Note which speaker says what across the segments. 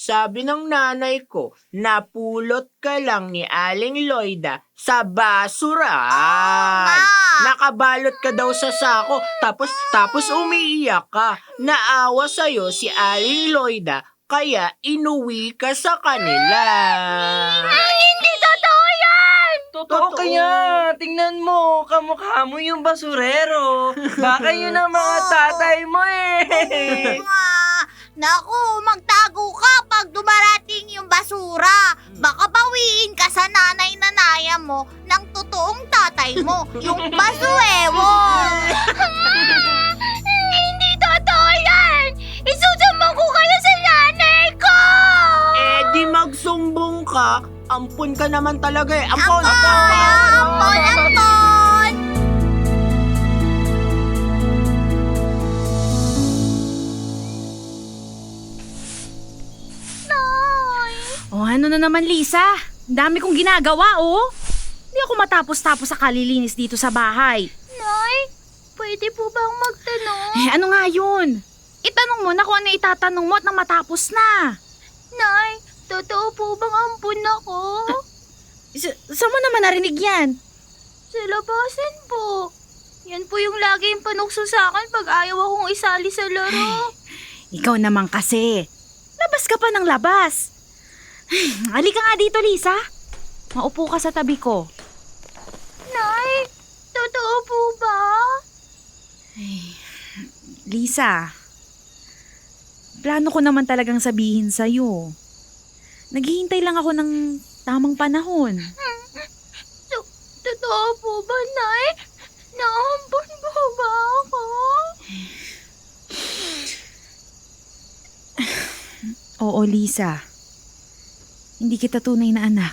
Speaker 1: sabi ng nanay ko, napulot ka lang ni Aling Loida sa basurahan. Nakabalot ka daw sa sako, tapos umiiyak ka. Naawa sa'yo si Aling Loida, kaya inuwi ka sa kanila.
Speaker 2: Hindi totoo yan!
Speaker 3: Totoo kaya. Tingnan mo, kamukha mo yung basurero. Baka yun ang mga tatay mo eh.
Speaker 2: Naku, magtago ka pag dumarating yung basura. Baka bawiin ka sa nanay-nanaya mo ng totoong tatay mo, yung basuewon. Hindi totoo yan! Isusumbong ko kayo sa nanay ko!
Speaker 1: Eh di magsumbong ka, ampun ka naman talaga eh. Ampun!
Speaker 2: Ampon! Nay!
Speaker 4: Oh, ano na naman, Lisa? Ang dami kong ginagawa, oh. Hindi ako matapos-tapos sa kalilinis dito sa bahay.
Speaker 2: Nay, pwede po bang magtanong?
Speaker 4: Eh, ano nga yun? Itanong mo na kung ano itatanong mo at nang matapos na.
Speaker 2: Nay, totoo po bang ampun ako?
Speaker 4: Saan mo naman narinig yan?
Speaker 2: Sa labasan po. Yan po yung lagi yung panukso sa akin pag ayaw akong isali sa laro.
Speaker 4: Ikaw naman kasi. Labas ka pa ng labas. Halika nga dito, Lisa. Maupo ka sa tabi ko.
Speaker 2: Nay, totoo po ba?
Speaker 4: Lisa, plano ko naman talagang sabihin sa'yo. Naghihintay lang ako ng tamang panahon.
Speaker 2: Totoo po ba, Nay? Naampun po ba ako?
Speaker 4: Oo, Lisa. Hindi kita tunay na anak.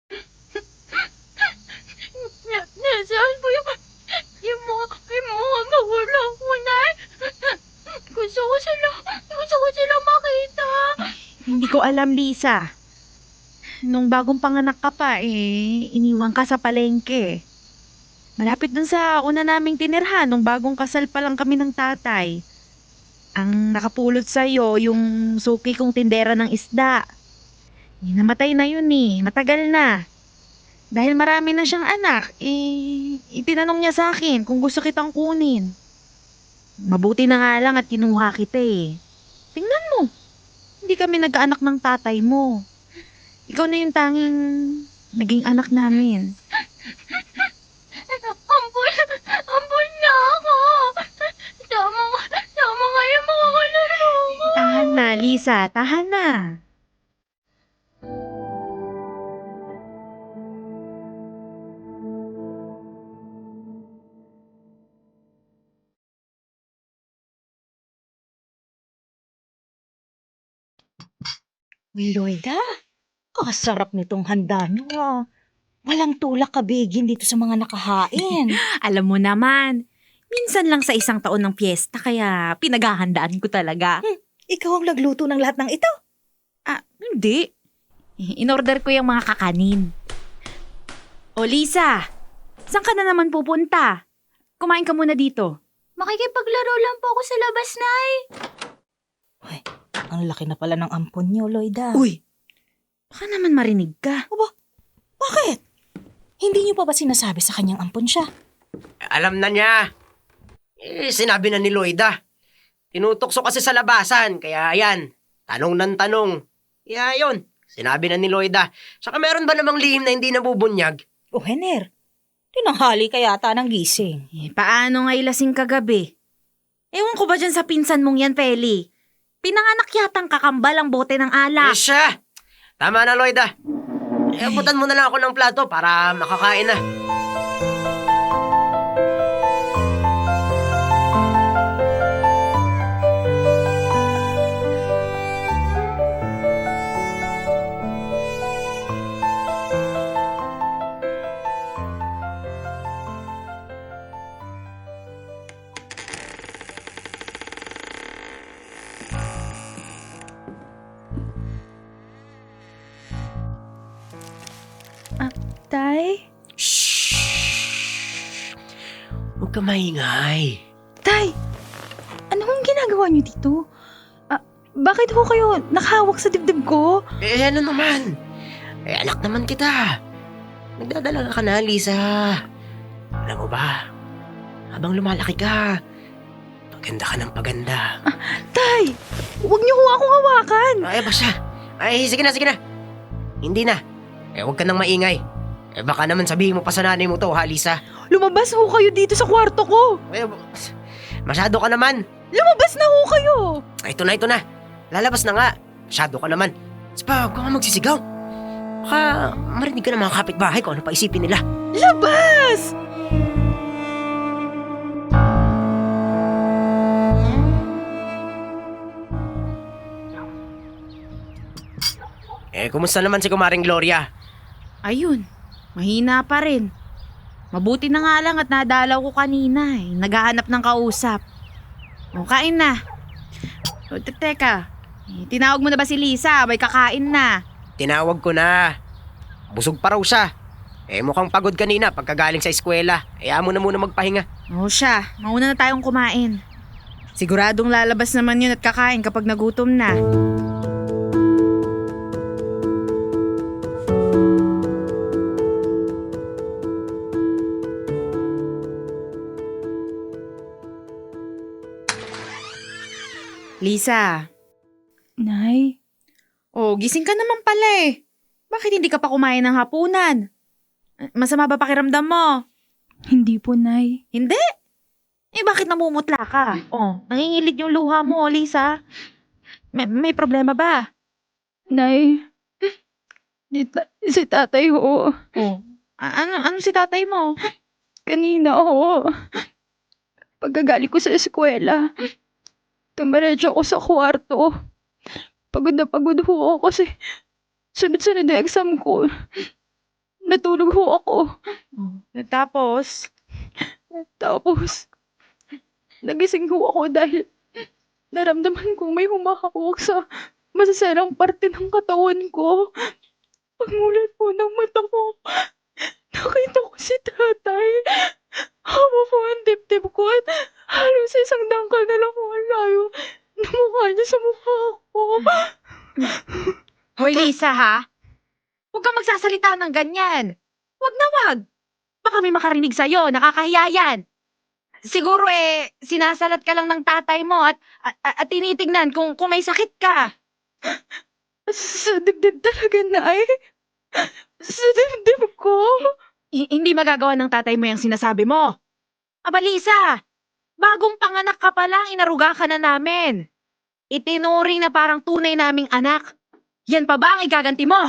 Speaker 2: Nasaan po yung mga magulang ko, Nay? Gusto ko sila makita.
Speaker 4: Hindi ko alam, Lisa. Nung bagong panganak ka pa, iniwan ka sa palengke. Malapit dun sa una naming tinirhan, nung bagong kasal pa lang kami ng tatay. Ang nakapulot sa'yo, yung suki kong tindera ng isda. Namatay na yun matagal na. Dahil marami na siyang anak, itinanong niya sa akin kung gusto kitang kunin. Mabuti na nga lang at kinuha kita Tingnan mo, hindi kami nagkaanak ng tatay mo. Ikaw na yung tanging naging anak namin.
Speaker 2: Ampun na ako. Tama nga yung mga kalaro ko.
Speaker 4: Tahan na, Lisa. Tahan na.
Speaker 5: Loida, kasarap nitong handa nyo. Walang tulak kabigin dito sa mga nakahain.
Speaker 4: Alam mo naman, minsan lang sa isang taon ng piyesta kaya pinaghahandaan ko talaga.
Speaker 5: Ikaw ang nagluto ng lahat ng ito.
Speaker 4: Hindi. In-order ko yung mga kakanin. O Lisa, saan ka na naman pupunta? Kumain ka muna dito.
Speaker 2: Makikipaglaro lang po ako sa labas, Nay.
Speaker 5: Uy, ang laki na pala ng ampon nyo, Loida.
Speaker 4: Uy, baka naman marinig ka.
Speaker 5: Bakit? Hindi nyo pa ba sinasabi sa kanyang ampon siya?
Speaker 3: Alam na niya. Sinabi na ni Loida. Tinutokso kasi sa labasan, kaya yan, tanong ng tanong. Kaya yun, sinabi na ni Loida. Saka meron ba namang lihim na hindi nabubunyag?
Speaker 5: O, Hener, tinanghali ka yata ng gising.
Speaker 4: Paano nga ilasing kagabi? Ewan ko ba dyan sa pinsan mong yan, Feli? Pinanganak yatang kakambal ang bote ng alak.
Speaker 3: Siya! Tama na, Loida. Abutan mo na lang ako ng plato para makakain na.
Speaker 4: Tay?
Speaker 3: Shhh! Huwag ka maingay.
Speaker 4: Tay! Ano ang ginagawa niyo dito? Bakit ho kayo nakahawak sa dibdib ko?
Speaker 3: Ano naman? Anak naman kita. Nagdadala ka na, Lisa. Alam mo ba, habang lumalaki ka, paganda ka ng paganda.
Speaker 4: Tay, huwag niyo ho akong hawakan.
Speaker 3: Ay, ba siya? Ay, sige na, sige na. Hindi na. Huwag ka nang maingay. Baka naman sabihin mo pa sa nanay mo to, ha, Lisa?
Speaker 4: Lumabas ho kayo dito sa kwarto ko.
Speaker 3: Masyado ka naman.
Speaker 4: Lumabas na ho kayo.
Speaker 3: Ito na. Lalabas na nga. Masyado ka naman. Huwag ka nga magsisigaw. Baka marinig ka ng mga kapitbahay kung ano pa isipin nila.
Speaker 4: Labas!
Speaker 3: Kumusta naman si Kumaring Gloria?
Speaker 6: Ayun, mahina pa rin. Mabuti na nga lang at nadalaw ko kanina eh. Naghahanap ng kausap. O, kain na. O, teka, tinawag mo na ba si Lisa? May kakain na.
Speaker 3: Tinawag ko na. Busog pa raw siya. Mukhang pagod kanina pagkagaling sa eskwela. Mo na muna magpahinga.
Speaker 6: O siya, mauna na tayong kumain. Siguradong lalabas naman yun at kakain kapag nagutom na. Lisa.
Speaker 4: Nay,
Speaker 6: Oh, gising ka naman pala eh. Bakit hindi ka pa kumain ng hapunan? Masama ba pakiramdam mo?
Speaker 4: hindi po, Nay.
Speaker 6: Hindi. Bakit namumutla ka? Oh, nangingilid yung luha mo, Lisa. May problema ba?
Speaker 4: Nay, si tatay ho.
Speaker 6: Oh. Ano si tatay mo?
Speaker 4: Kanina ho. Pagkagaling ko sa eskwela, tumiretso ako sa kwarto. Pagod na pagod ho ako kasi sunod-sunod na exam ko. Natulog ho ako.
Speaker 6: Tapos?
Speaker 4: Tapos, nagising ho ako dahil naramdaman kong may humahawak sa masasarang parte ng katawan ko. Pagmulat po ng mata ko, nakita ko si tatay. Hawa po ang dibdib ko at halos isang dangkal na lang ang layo na mukha niya sa mukha ko.
Speaker 6: Hoy, Lisa, ha? Huwag kang magsasalita ng ganyan. Huwag na wag. Baka may makarinig sa'yo. Nakakahiya yan. Siguro sinasalat ka lang ng tatay mo at tinitignan kung may sakit ka.
Speaker 4: Sa dibdib talaga, Nay. Sa dibdib ko.
Speaker 6: Hindi magagawa ng tatay mo yung sinasabi mo. Aba, Lisa, bagong panganak ka pa lang, inaruga ka na namin. Itinuring na parang tunay naming anak. Yan pa ba ang igaganti mo?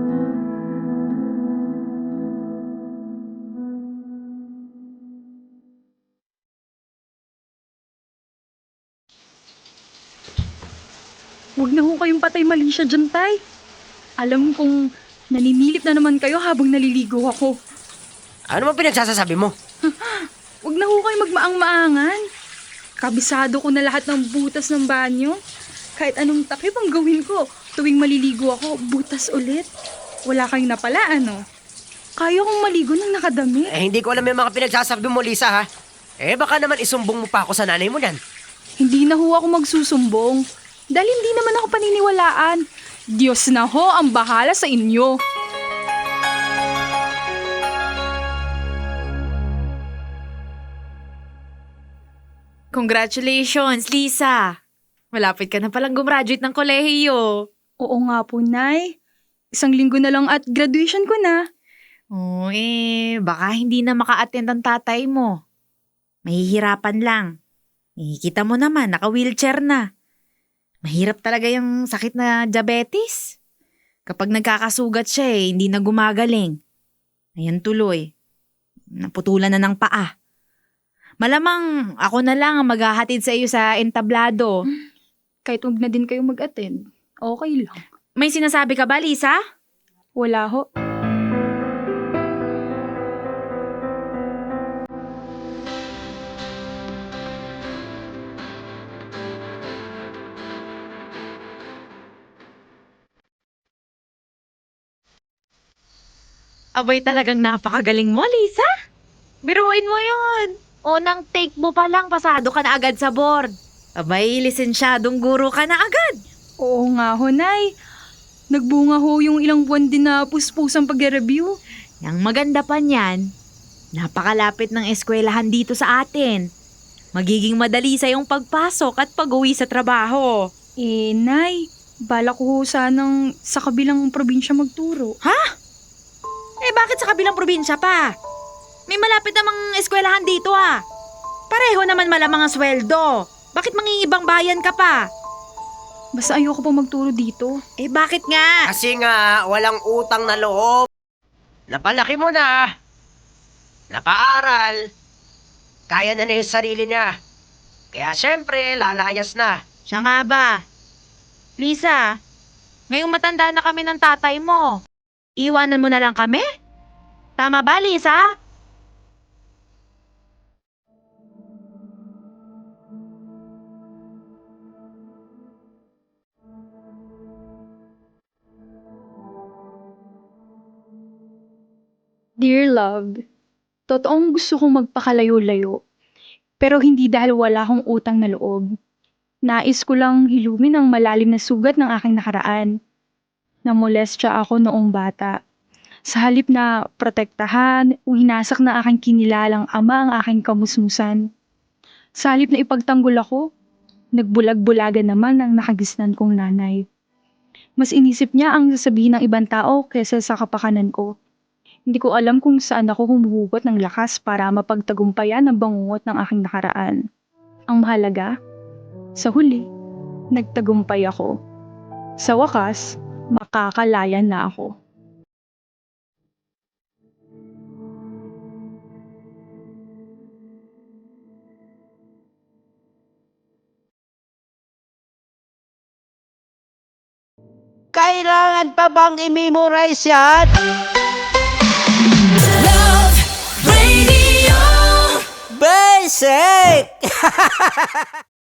Speaker 4: Huwag na ho kayong patay mali siya dyan, Tay. Alam kong naninilip na naman kayo habang naliligo ako.
Speaker 3: Ano man pinagsasasabi mo?
Speaker 4: Huwag na ho kayo magmaang-maangan. Kabisado ko na lahat ng butas ng banyo. Kahit anong takip ang gawin ko, tuwing maliligo ako, butas ulit. Wala kayong napala, ano? Kaya kong maligo ng nakadami.
Speaker 3: Hindi ko alam yung mga pinagsasabi mo, Lisa, ha? Baka naman isumbong mo pa ako sa nanay mo yan.
Speaker 4: Hindi na ho ako magsusumbong. Dahil hindi naman ako paniniwalaan. Diyos na ho ang bahala sa inyo.
Speaker 6: Congratulations, Lisa. Malapit ka na palang gumraduate ng kolehiyo.
Speaker 4: Oo nga po, Nay. 1 linggo na lang at graduation ko na.
Speaker 6: Oh, baka hindi na maka-attend ang tatay mo. Mahihirapan lang. Kita mo naman, naka-wheelchair na. Mahirap talaga yung sakit na diabetes. Kapag nagkakasugat siya hindi na gumagaling. Ayan tuloy. Naputulan na ng paa. Malamang ako na lang ang maghahatid sa iyo sa entablado.
Speaker 4: Kahit huwag na din kayo mag-attend, okay lang.
Speaker 6: May sinasabi ka ba, Lisa?
Speaker 4: Wala ho.
Speaker 6: Abay talagang napakagaling mo, Lisa. Biruin mo yon. Unang take mo pa lang, pasado ka na agad sa board. Abay, lisensyadong guro ka na agad.
Speaker 7: Oo nga ho, Nay. Nagbunga ho yung ilang buwan din na puspusang pag-review.
Speaker 6: Yang maganda pa niyan, napakalapit ng eskwelahan dito sa atin. Magiging madali sa yung pagpasok at pag-uwi sa trabaho.
Speaker 7: Nay, bala ko ho sanang sa kabilang probinsya magturo.
Speaker 6: Eh bakit sa kabilang probinsya pa? May malapit namang eskwelahan dito ah. Pareho naman malamang ang sweldo. Bakit mangingibang bayan ka pa?
Speaker 7: Basta ayoko po magturo dito.
Speaker 6: Eh bakit nga?
Speaker 3: Kasi nga, walang utang na loob. Napalaki mo na. Napaaral. Kaya na niya yung sarili niya. Kaya syempre, lalayas na.
Speaker 6: Siya nga ba? Lisa, ngayong matanda na kami ng tatay mo. Iwanan mo na lang kami? Tama ba, Lisa?
Speaker 7: Dear love, totoong gusto kong magpakalayo-layo. Pero hindi dahil wala akong utang na loob. Nais ko lang hilumin ang malalim na sugat ng aking nakaraan. Namolestya ako noong bata. Sa halip na protektahan o hinasak na aking kinilalang ama ang aking kamusmusan. Sa halip na ipagtanggol ako, nagbulag-bulagan naman ang nakagisnan kong nanay. Mas inisip niya ang sasabihin ng ibang tao kaysa sa kapakanan ko. Hindi ko alam kung saan ako humuhugot ng lakas para mapagtagumpayan ang bangungot ng aking nakaraan. Ang mahalaga, sa huli, nagtagumpay ako. Sa wakas, makakalaya na ako.
Speaker 3: Kailangan pa bang i-memorize yan?
Speaker 8: Radio
Speaker 3: Basic!